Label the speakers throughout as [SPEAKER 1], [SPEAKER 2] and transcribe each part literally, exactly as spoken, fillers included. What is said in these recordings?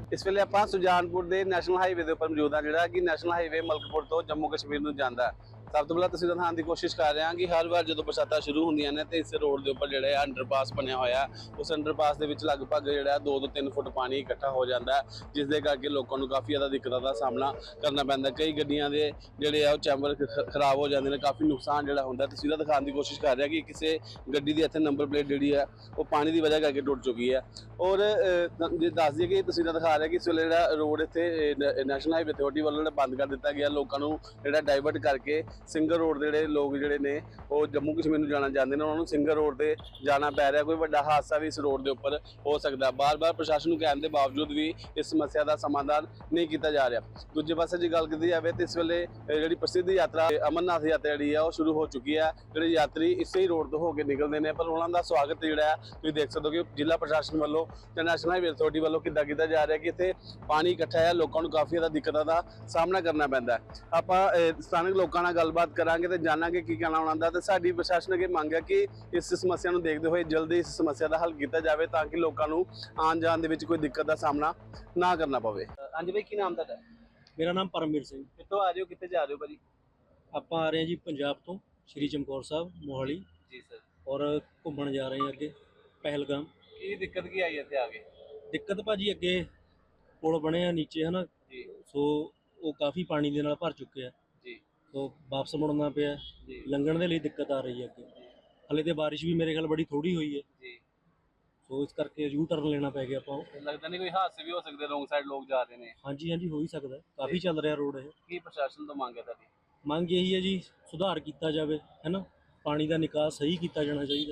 [SPEAKER 1] इस वेले आपां सुजानपुर के नैशनल हाईवे के उपर मौजूद हाँ, जिहड़ा कि नैशनल हाईवे मलकपुर तो जम्मू कश्मीर नूं जांदा है। सब तो पहला तस्वीर दिखाने की कोशिश कर रहे हैं कि हर बार जो बरसात शुरू होंदियां ने तो इस रोड के उपर जिहड़ा अंडरपास बनया होया, उस अंडरपास के विच लगभग जिहड़ा दो तो तीन फुट पानी इकट्ठा हो जाता है, जिसके करके लोगों को काफ़ी ज़्यादा दिक्कतों का सामना करना पैंदा। कई गड्डियां दे जिहड़े आ चैम्बर खराब हो जाते हैं, काफ़ी नुकसान जिहड़ा हुंदा। तस्वीर दिखाने की कोशिश कर रहे हैं कि किसी गड्डी की इत्थे नंबर प्लेट जिहड़ी है वो पानी की वजह करके टुट चुकी है। और दस दिए कि तस्वीर दिखा रहे हैं कि इस वेले जिहड़ा रोड इत्थे नैशनल हाईवे अथॉरिटी वालों बंद कर दिता गया, लोगों को जिहड़ा डाइवर्ट करके सिंगल रोड के लोग जिहड़े ने वो जम्मू कश्मीर नूं जाना चाहते हैं, उन्होंने सिंगल रोड से जाना पै रहा। कोई बड़ा हादसा भी इस रोड के उपर हो सकता है। बार बार प्रशासन को कहने के बावजूद भी इस समस्या का समाधान नहीं किया जा रहा। दूजे पासे जो गल की जाए तो इस वेले जी प्रसिद्ध यात्रा अमरनाथ यात्रा जी है वो शुरू हो चुकी है। जो यात्री इसे ही रोड तो होकर निकलते हैं, पर उन्होंने स्वागत जोड़ा है तुम देख सकते हो कि जिला प्रशासन वालों तो नैशनल हाईवे अथॉरिटी वालों किदा किया जा रहा है कि इतने पानी इकट्ठा है, लोगों को काफ़ी ज़्यादा दिक्कतों का सामना करना पैंदा है। आप स्थानिक लोगों नाल गलबात करांगे तो जानांगे की कहना उन्होंने। तो साडी प्रशासन अगे मंग है कि इस समस्या को देखते हुए जल्दी इस समस्या का हल किया जाए ताकि लोगों को आन जान दे विच कोई दिक्कत का सामना ना करना पवे। हाँ जी भाई, की नाम तुहाडा?
[SPEAKER 2] मेरा नाम परमवीर सिंह।
[SPEAKER 1] कितों आ रहे हो, कितने जा रहे हो भाजी?
[SPEAKER 2] ਆਪਾਂ आ रहे हैं जी पंजाब तो श्री चमकौर साहब मोहाली
[SPEAKER 1] जी सर।
[SPEAKER 2] और घूमन जा रहे हैं अगे पहलगाम।
[SPEAKER 1] की दिक्कत की आई है इत्थे आके?
[SPEAKER 2] दिक्कत भाजी अगे पुल बने आ नीचे है ना
[SPEAKER 1] जी
[SPEAKER 2] सो वो काफ़ी पानी के नाल भर चुके हैं,
[SPEAKER 1] जी
[SPEAKER 2] तो वापस मुड़ना पिया।
[SPEAKER 1] जी
[SPEAKER 2] लंघण के लिए दिक्कत आ रही है अगे। हले तो बारिश भी मेरे ख्याल बड़ी थोड़ी हुई है,
[SPEAKER 1] जी।
[SPEAKER 2] सो इस करके यू टर्न लेना पै गया ਆਪਾਂ।
[SPEAKER 1] लगता नहीं कोई हादसे भी हो सकते, रोंग साइड लोग जा रहे हैं?
[SPEAKER 2] हाँ जी हाँ जी, हो ही सकता है, काफ़ी चल रहा रोड है।
[SPEAKER 1] की प्रशासन तो मांग है तारी?
[SPEAKER 2] ਮੰਗ यही है जी सुधार किया जाए है ना, पानी का निकास सही किया जाना चाहिए।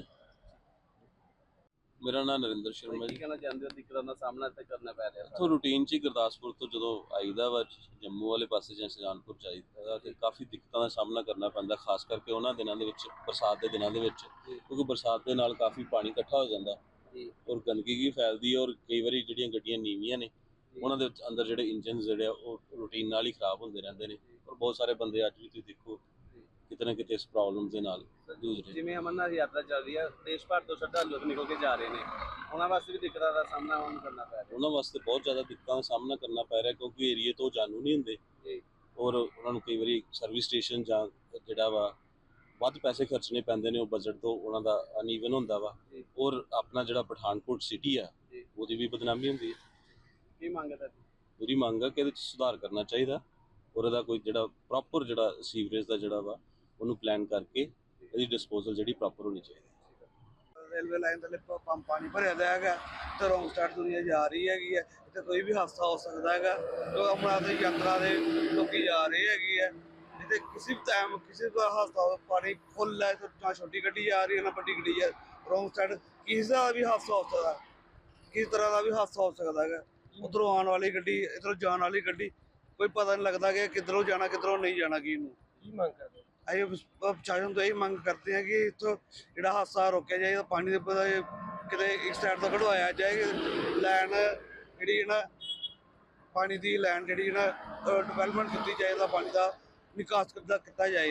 [SPEAKER 3] मेरा नाम नरिंਦਰ शर्मा
[SPEAKER 1] की
[SPEAKER 3] जी।
[SPEAKER 1] कहना चाहते हो दिक्कतों का सामना इत्थे करना पै रहा?
[SPEAKER 3] ਇੱਥੋਂ ਰੂਟੀਨ 'ਚ ਹੀ ਗੁਰਦਾਸਪੁਰ ਤੋਂ ਜਦੋਂ ਆਈਦਾ ਵਾ ਜੰਮੂ ਵਾਲੇ ਪਾਸੇ ਜਾਂ ਸੁਜਾਨਪੁਰ ਜਾਈਦਾ ਤੇ ਕਾਫੀ ਦਿੱਕਤਾਂ ਦਾ ਸਾਹਮਣਾ ਕਰਨਾ ਪੈਂਦਾ, ਖਾਸ ਕਰਕੇ ਉਹਨਾਂ ਦਿਨਾਂ ਦੇ ਵਿੱਚ, ਬਰਸਾਤ ਦੇ ਦਿਨਾਂ ਦੇ ਵਿੱਚ, ਕਿਉਂਕਿ ਬਰਸਾਤ ਦੇ ਨਾਲ ਕਾਫੀ ਪਾਣੀ ਇਕੱਠਾ ਹੋ ਜਾਂਦਾ ਔਰ ਗੰਦਗੀ ਵੀ ਫੈਲਦੀ ਹੈ। ਔਰ ਕਈ ਵਾਰੀ ਜਿਹੜੀਆਂ ਗੱਡੀਆਂ ਨੀਵੀਆਂ ਨੇ ਉਹਨਾਂ ਦੇ ਵਿੱਚ ਅੰਦਰ ਜਿਹੜੇ ਇੰਜਨ ਜਿਹੜੇ ਆ ਉਹ ਰੂਟੀਨ ਨਾਲ ਹੀ ਖਰਾਬ ਹੁੰਦੇ ਰਹਿੰਦੇ ਨੇ। ਔਰ ਬਹੁਤ ਸਾਰੇ ਬੰਦੇ ਅੱਜ ਵੀ ਤੁਸੀਂ ਦੇਖੋ कितने ना कितने इस प्रॉब्लम के नाल जूझ रहे।
[SPEAKER 1] जिवें अमरनाथ यात्रा चल रही है, देश भर तो श्रद्धालु निकल के जा रहे हैं, उन्होंने वास्ते भी दिक्कतों का सामना करना पै रहा?
[SPEAKER 3] उन्होंने वास्ते बहुत ज़्यादा दिक्कतों का सामना करना पै रहा क्योंकि एरिए तो जानू नहीं होंगे और उन्होंने कई बार सर्विस स्टेशन जां जिहड़ा वा वध पैसे खर्चने पैंदे ने, बजट तो उन्हों का अनईवन होंदा वा। और अपना जिहड़ा पठानकोट सिटी है वो भी बदनामी होंदी है।
[SPEAKER 1] की मंग है?
[SPEAKER 3] पूरी मंग है कि सुधार करना चाहिए और इहदा कोई जिहड़ा प्रॉपर जिहड़ा सीवरेज का जिहड़ा वा ਉਹਨੂੰ ਪਲਾਨ ਕਰਕੇ ਇਹਦੀ ਡਿਸਪੋਜ਼ਲ ਜਿਹੜੀ ਪ੍ਰੋਪਰ ਹੋਣੀ ਚਾਹੀਦੀ।
[SPEAKER 4] रेलवे लाइन थले पानी भरिया है तो रोंग साइड दुनिया जा रही हैगी है, इतने कोई भी हादसा हो सकता है। तो अमरनाथ यात्रा के लोग जा रहे है, जिसे किसी भी टाइम किसी का हादसा हो, पानी फुल है तो ना छोटी गड्डी जा रही है ना बड़ी गड्डी है, रोंग साइड किसी का भी हादसा हो सकता है, किसी तरह का भी हादसा हो सकता है। उधरों आने वाली गड्डी इधरों जाने वाली गड्डी कोई पता नहीं लगता कि किधरों जाना किधरों नहीं जाना। की मंग करते प्रशासन तो यही मंग करते हैं कि इतों जो हादसा रोकया जाए, पानी कि एक साइड तो कढ़वाया जाए, लैन जी ना पानी की लैन जी ना डिवेलपमेंट की जाए, पानी का निकास किया जाए।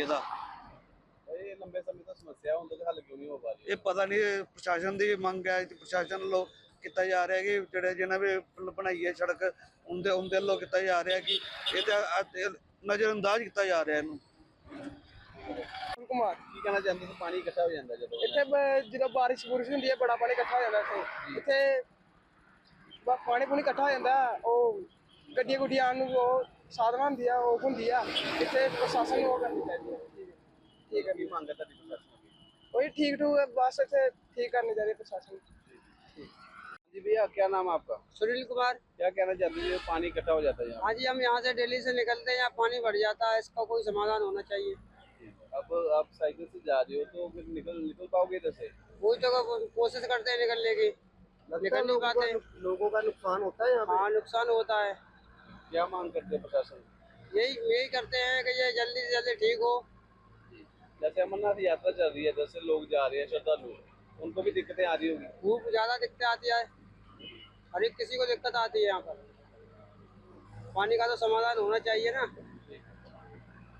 [SPEAKER 1] ये लंबे समय तो समस्या उनका हल क्यों नहीं हो पा रही?
[SPEAKER 4] ये पता नहीं प्रशासन की मंग है, प्रशासन लोग किया जा रहा है कि जोड़े जिन्हें भी बनाई है सड़क उनके उनके लोग किया जा रहा है कि ये नज़रअंदाज किया जा रहा है।
[SPEAKER 1] कुमार की कहना चाहते हो? पानी इकट्ठा हो जाता है
[SPEAKER 5] इतने जो बारिश बुरिश होंगी है, बड़ा पानी इकट्ठा हो जाता है इतने, पानी पूनी इकट्ठा हो जाता है, वो गड्डियां गुड्डियां आने वो साधन होंगी है, वो होंगी है इतने प्रशासन वो करनी चाहिए। ठीक है,
[SPEAKER 1] मांग है प्रशासन की?
[SPEAKER 5] वही ठीक ठूक बस इतने ठीक करनी चाहिए प्रशासन।
[SPEAKER 1] जी भैया, क्या नाम है आपका?
[SPEAKER 6] सुनील कुमार।
[SPEAKER 1] क्या कहना चाहते हैं? पानी इकट्ठा हो जाता है?
[SPEAKER 6] हाँ जी, हम यहाँ से दिल्ली से निकलते हैं, यहाँ पानी भर जाता है, इसका कोई समाधान होना चाहिए।
[SPEAKER 1] अब आप साइकिल से जा रहे हो तो फिर निकल निकल पाओगे इधर से?
[SPEAKER 6] वही तो कोशिश करते हैं निकलने की, निकल नहीं पाते।
[SPEAKER 5] लोगों का नुकसान होता है यहाँ पे?
[SPEAKER 6] हाँ, नुकसान होता है।
[SPEAKER 1] क्या मांग करते हैं प्रशासन?
[SPEAKER 6] यही यही करते हैं कि ये जल्दी से जल्दी ठीक हो।
[SPEAKER 1] जैसे अमरनाथ यात्रा चल रही है, जैसे लोग जा रहे हैं श्रद्धालु, उनको भी दिक्कतें आ रही होगी?
[SPEAKER 6] खूब ज्यादा दिक्कत आती है, हर एक किसी को दिक्कत आती है यहाँ पर। पानी का तो समाधान होना चाहिए ना।